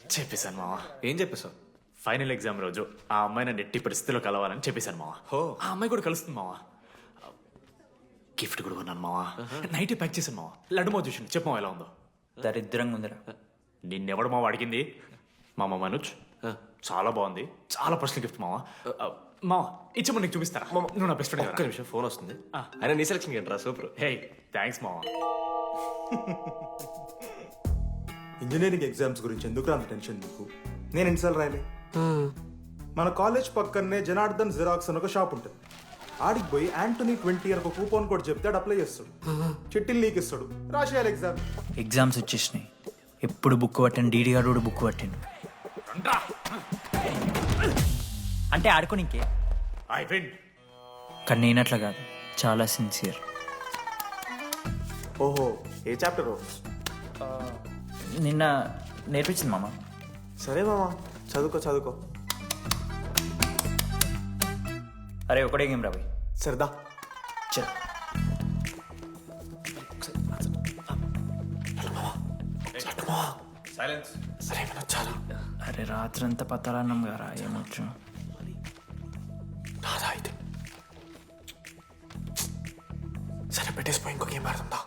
చెప్పేశాను మావా. ఏం చెప్పేశావు? ఫైనల్ ఎగ్జామ్ రోజు ఆ అమ్మాయి నన్ను ఎట్టి పరిస్థితిలో కలవాలని చెప్పేశాను మావా. హో. ఆ అమ్మాయి కూడా కలుస్తుంది మావా. గిఫ్ట్ కూడా కొన్నాను మావా. నైట్ ప్యాక్ చేశాను మావా. లడ్డు మావ చూసిండు. చెప్పు మావా ఎలా ఉందో. దరిద్రంగా ఉందిరా. నిన్నెవడు మావ అడిగింది? మామ మనోజ్. చాలా బాగుంది. చాలా పర్సనల్ గిఫ్ట్ మావా. మావా ఇచ్చమ్మ నీకు చూపిస్తారా? నువ్వు నా బెస్ట్ ఒక్క ఫ్రెండ్. నిమిషం, ఫోన్ వస్తుంది. అయినా నీ సెలక్షన్ ఏంట్రా, సూపర్. హే థ్యాంక్స్ మావా. ఇంజనీరింగ్ ఎగ్జామ్స్ గురించి ఎందుకు అంత టెన్షన్ నీకు? నేను ఎన్నిసార్లు రాయలే. మన కాలేజ్ పక్కనే జనార్దన్ జిరాక్స్ అని ఒక షాప్ ఉంటుంది. ఆడికి పోయి యాంటనీ 20 అని ఒక కూపన్ కోడ్ చెప్తే ఆడు అప్లై చేస్తాడు. చిట్టిల్ నీకు ఇస్తాడు, రాసేయాలి ఎగ్జామ్. ఎగ్జామ్స్ వచ్చేసినాయి. ఎప్పుడు బుక్ పట్టాను, డీడీ గారు కూడా బుక్ పట్టిండు. అంటే ఆడుకోనికే. I win. కానీ నేనట్లా కాదు, చాలా సిన్సియర్. ఓహో, ఏ చాప్టర్? నిన్న నేర్పించింది మామ. సరే మామా, చదువుకో చదువుకో. అరే ఒకటే గేమ్ రాబోయ్. సరదా. చల్. సైలెన్స్. సరే చాలా అరే రాత్రంతా పత్తాలన్నాం గారా, ఏమొచ్చు. నాదా అయితే. సరే పెట్టేసిపోయి ఇంకో గేమ్ ఆడుతుందా?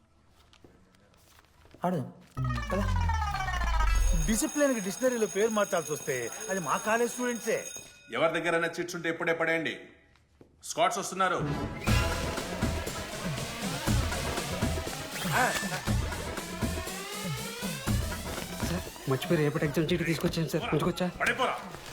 ఆడదాం కదా. డిసిప్లిన్ కి డిక్షనరీలో పేరు మార్చాల్సి వస్తే అది మా కాలేజ్ స్టూడెంట్సే. ఎవరి దగ్గరైనా చిట్స్ ఉంటే ఇప్పుడే పడేయండి. స్కాట్స్ వస్తున్నారు. మర్చిపోయి రేపటి ఎగ్జామ్ చీటి తీసుకొచ్చాను సార్, ఉంచుకొచ్చా? పడిపోరా.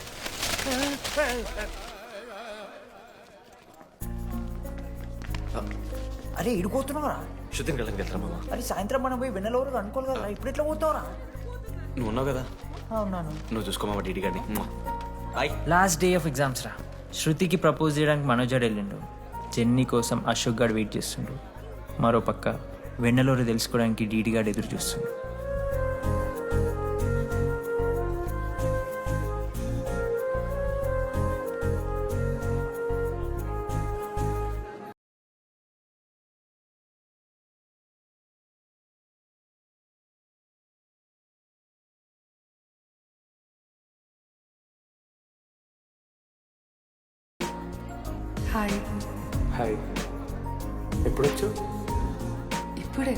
అరే ఇడిపోతున్నావురా. శుద్ధిని వెళ్ళండి వెళ్తారా మామ? అరే సాయంత్రం మనం పోయి వెన్నెలవరకు అనుకోవాలి కదా, ఇప్పుడు ఎట్లా పోతావురా? నువ్వు ఉన్నావు కదా, అవునాను. నువ్వు చూసుకో మామ డీడీ గారిని. Hi. Last day of exams రా. శృతికి ప్రపోజ్ చేయడానికి మనోజాడు వెళ్ళిండు. జెన్నీ కోసం అశోక్ గాడు వెయిట్ చేస్తుండు. మరో పక్క వెన్నెలూరు తెలుసుకోవడానికి డీడీ గాడు ఎదురు చూస్తుండు. హాయ్. హాయ్, ఎప్పుడొచ్చు? ఇప్పుడే.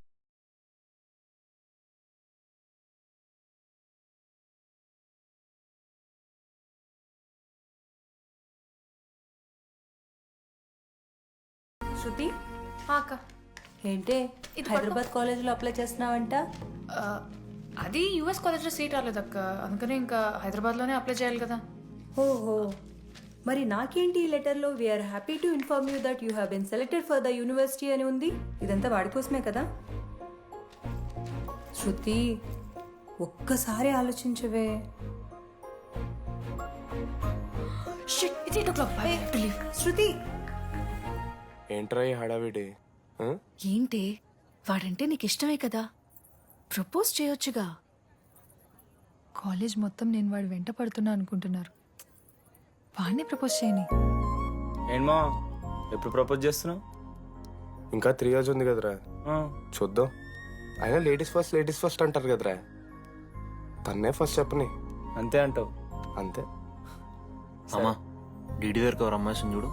శృతి, అక్క, ఏంటే హైదరాబాద్ కాలేజ్లో అప్లై చేస్తున్నావంట? అది యూఎస్ కాలేజ్లో సీట్ రాలేదు అక్క, అందుకని ఇంకా హైదరాబాద్లోనే అప్లై చేయాలి కదా. ఓహో, మరి నాకేంటి ఈ లెటర్లో we are happy to inform you that you have been selected for the university అని ఉంది. ఇదంతా వాడి కోసమే కదా? శృతి, ఒక్కసారి ఆలోచించవే. Shit, it's 8 o'clock. I have to leave. Shruti, ఏంట్రా ఈ హడావిడి? ఏంటి, వాడంటే నీకు ఇష్టమే కదా, ప్రపోజ్ చేయొచ్చుగా. కాలేజ్ మొత్తం నేను వాడు వెంట పడుతున్నా అనుకుంటున్నారు. వాడిని ప్రపోజ్ చేయని. ఏంటమ్మా ఎప్పుడు ప్రపోజ్ చేస్తున్నావు? ఇంకా 3 years ఉంది కదరా, చూద్దాం. అయినా లేడీస్ ఫస్ట్ అంటారు కదరా, తన్నే ఫస్ట్ చెప్పని. అంతే అంటావు? అంతే. అమ్మా డీడీ దగ్గరికి ఎవరు అమ్మాయి చూడు.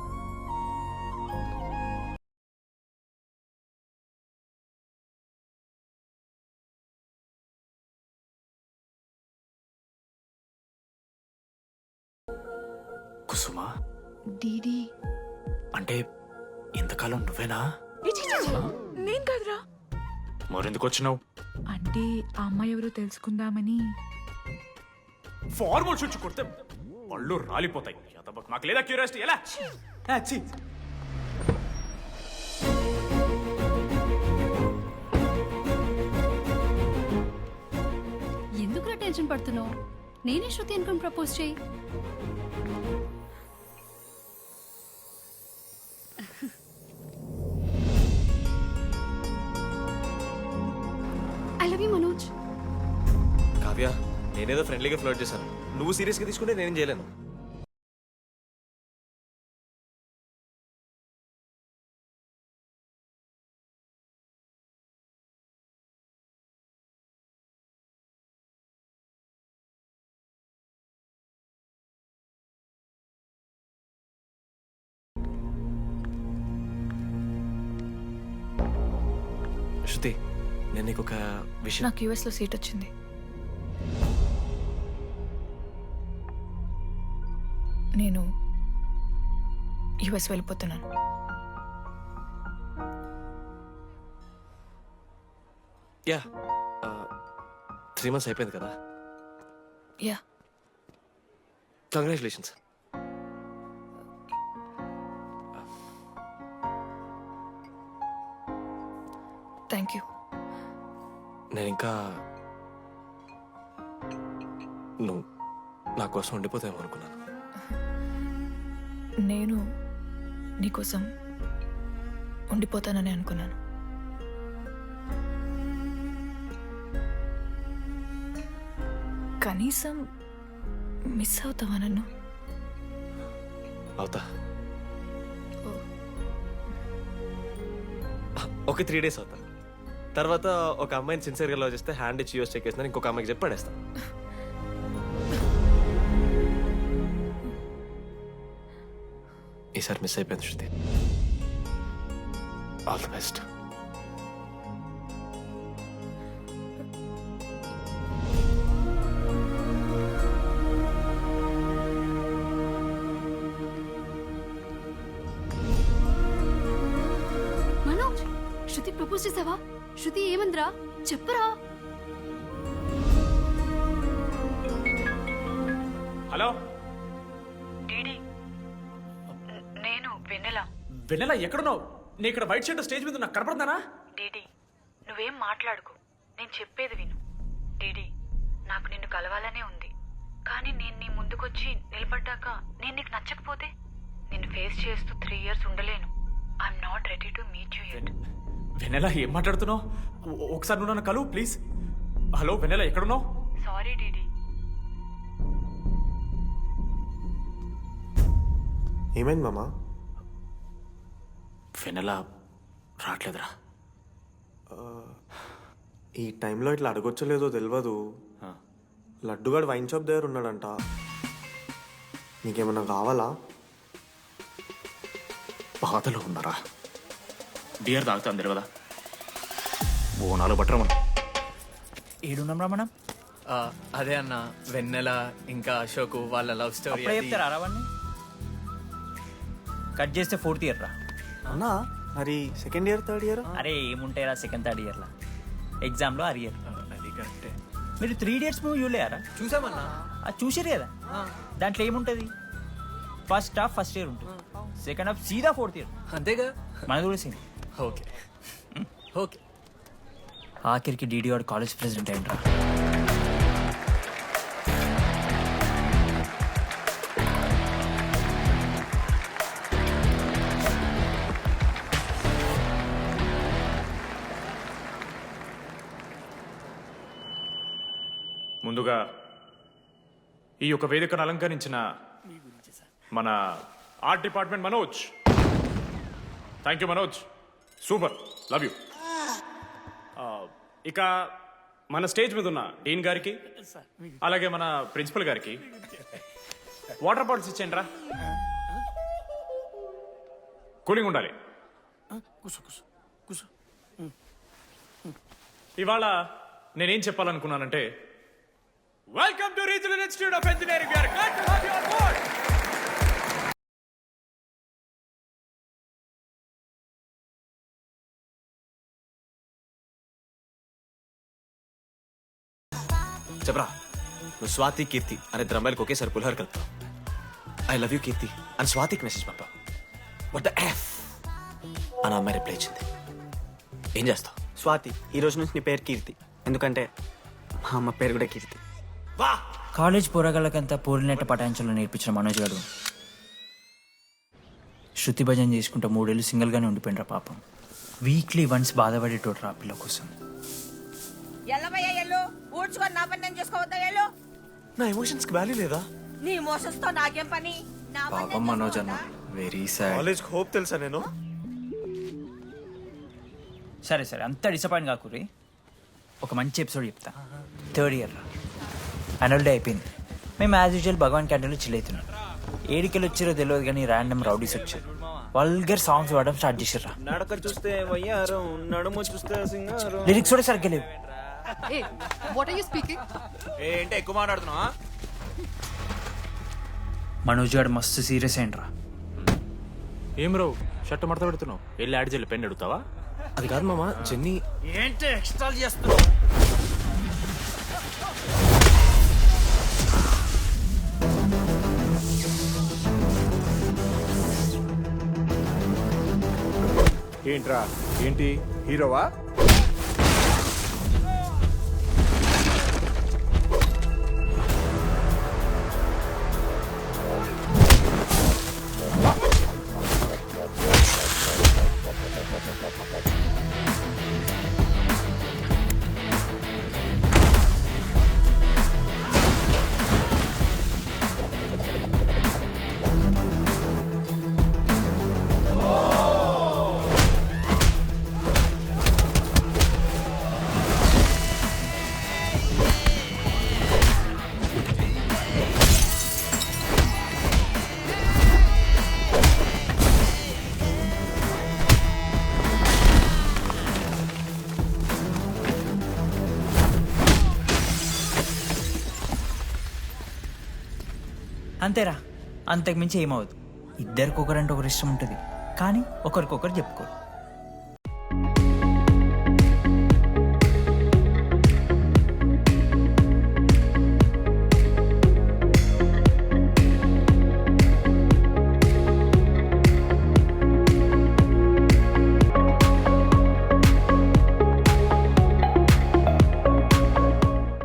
కుసుమా డీడీ అంటే ఇంతకాలం నువ్వేనా? నేను కాదురా. మరెందుకు వచ్చినావు? అంటే ఆ అమ్మాయి ఎవరో తెలుసుకుందామని. ఫార్మల్ షూట్ కొడితే పళ్ళు రాలిపోతాయి. మాకు లేదా క్యూరియాసిటీ? ఎలా? ఎందుకు టెన్షన్ పడుతున్నావు? నేనే శృతి అనుకుని ప్రపోజ్ చేయి. I love you Manoj. Kavya, నేనేదో ఫ్రెండ్లీగా ఫ్లోట్ చేశాను, నువ్వు సీరియస్గా తీసుకుంటే నేనేం చేయలేను. శృతి నేను నీకు ఒక విషయం నాకు యూఎస్లో సీట్ వచ్చింది. నేను యూఎస్ వెళ్ళిపోతున్నాను. యా 3 months అయిపోయింది కదా. Yeah, congratulations. Thank you. నేను ఇంకా నువ్వు నా కోసం ఉండిపోతామో అనుకున్నాను. నేను నీకోసం ఉండిపోతానని అనుకున్నాను. కనీసం మిస్ అవుతావా నన్ను? అవుతా. ఒక 3 days అవుతా. తర్వాత ఒక అమ్మాయిని సిన్సియర్గా లవ్ చేస్తే హ్యాండ్ ఇచ్చి యూఎస్ చెక్ చేసిన ఇంకొక అమ్మాయికి చెప్పి పడేస్తాను. ఈసారి మిస్ అయిపోయింది Shruti. All the best. Manoj, Shruti propose చేసావా? శృతి ఏమందిరా చెప్పరా? హలో నేను వెన్నెల. వెన్నెల ఎక్కడున్నావు? నీ ఇక్కడ వైట్ షర్ట్ స్టేజ్ మీద నాకు కనపడుతున్నానా? డీడీ, నువ్వేం మాట్లాడుకో, నేను చెప్పేది విను. డీడీ, నాకు నిన్ను కలవాలనే ఉంది, కానీ నేను నీ ముందుకొచ్చి నిలబడ్డాక నేను నీకు నచ్చకపోతే నిన్ను ఫేస్ చేస్తూ 3 years ఉండలేను. I'm not ready to meet you yet. Vennela ఏం మాట్లాడుతున్నావు? ఒకసారి నువ్వు నన్ను కలువు ప్లీజ్. హలో వెన్నెల ఎక్కడున్నావు? Sorry DD. ఏమైంది మామా? వెన్నెల రావట్లేదురా. ఈ టైంలో ఇట్లా అడగొచ్చలేదో తెలియదు. లడ్డుగాడు వైన్ షాప్ దగ్గర ఉన్నాడంట. నీకేమన్నా కావాలా? బాధలో ఉన్నారా? బియర్ తాగుతాను తెలియదా? బోనాలు బట్టరమను. ఏడున్నాం రా మనం? అదే అన్న, వెన్నెల ఇంకా అశోక్ వాళ్ళ లవ్ స్టోరీ. అప్పుడే చెప్తారా రావన్నీ? కట్ చేస్తే 4th year రా. అన్నా మరి 2nd year 3rd year? అరే ఏముంటాయి రా 2nd 3rd yearలో? ఎగ్జామ్లో అరియర్. అది కరెక్టే. మీరు 3 Idiots మూవీ చూడలేరా? చూసామన్నా. అది చూసారు కదా. దాంట్లో ఏముంటుంది? ఫస్ట్ హాఫ్ ఫస్ట్ ఇయర్ ఉంటుంది, సెకండ్ హాఫ్ సీదా 4th year. అంతేగా. మనది కూడా సేమ్. Okay okay. ఆఖరికి డీడీ వాడు కాలేజ్ ప్రెసిడెంట్ అయ్యిండ్రా. ముందుగా ఈ యొక్క వేదికను అలంకరించిన మన art department Manoj, thank you Manoj, super, love you. ఇక మన స్టేజ్ మీద ఉన్న డీన్ గారికి అలాగే మన ప్రిన్సిపల్ గారికి వాటర్ బాటిల్స్ ఇచ్చేయండి రా, కూలింగ్ ఉండాలి. ఇవాళ నేనేం చెప్పాలనుకున్నానంటే, welcome to regional institute of engineering. We are glad to have you on board. చెప్పరా, నువ్వు స్వాతి కీర్తి అనే ఇద్దరు అమ్మాయిలకు ఒకేసారి పులిహోర కలుపుతావు. ఐ లవ్ యూ కీర్తి అని స్వాతికి మెసేజ్ పంపావు. వాట్ ద ఎఫ్ అని అమ్మాయి రిప్లై ఇచ్చింది. ఏం చేస్తావు? స్వాతి, ఈ రోజు నుంచి నీ పేరు కీర్తి, ఎందుకంటే మా అమ్మ పేరు కూడా కీర్తి. వా కాలేజ్ పోరగాళ్ళకంతా పోరినట్టు పటాయించలో నేర్పించిన మనోజ్ గారు శృతి భజన చేసుకుంటూ 3 ఏళ్ళు సింగిల్గానే ఉండిపోయినరా పాపం. వీక్లీ వన్స్ బాధపడేటోడు రా పిల్ల కోసం. నా ఎమోషన్స్ కి వాల్యూ లేదా? నీ మోసన్స్ తో నాకేం పని? పాపం మనోజ్ అన్న, వెరీ సాడ్. కాలేజ్ హోప్ తెలుసా నేను? సరే సరే, అంత డిసప్పాయింట్ కాకురి. ఒక మంచి ఎపిసోడ్ చెప్తా. 3rd year రా, యాన్యువల్ డే అయిపోయింది. మేము యాజ్ యూజువల్ భగవాన్ క్యాంటీన్లో చిల్ అవుతున్నాం. ఏడికెళ్ళి వచ్చారో తెలియదు కానీ ర్యాండమ్ రౌడీస్ వచ్చారు. వల్గర్ సాంగ్స్ పాడడం స్టార్ట్ చేసిర్రా. నడక చూస్తే వయ్యారం, నడుము చూస్తే సింగారం. లిరిక్స్ కూడా సరిగ్గా లేవు. ఏ వాట్ ఆర్ యు స్పీకింగ్? ఏంటి ఎక్కువ మాట్లాడుతున్నావా? మనోజ్ గారు మస్తు సీరియస్ అయిండ్రా. ఏం రావు షర్ట్ మడత పెడుతున్నావు, వెళ్ళి యాడ్ చేయాలి, పెన్ అడుగుతావా? అది కాదు మామ, జెన్నీ. ఏంటి ఎక్స్ట్రా చేస్తున్నావు? ఏంట్రా ఏంటి హీరోవా? అంతేరా, అంతకు మించి ఏమవుతుంది. ఇద్దరికొకరంటే ఒకరు ఇష్టం ఉంటుంది, కానీ ఒకరికొకరు చెప్పుకోరు.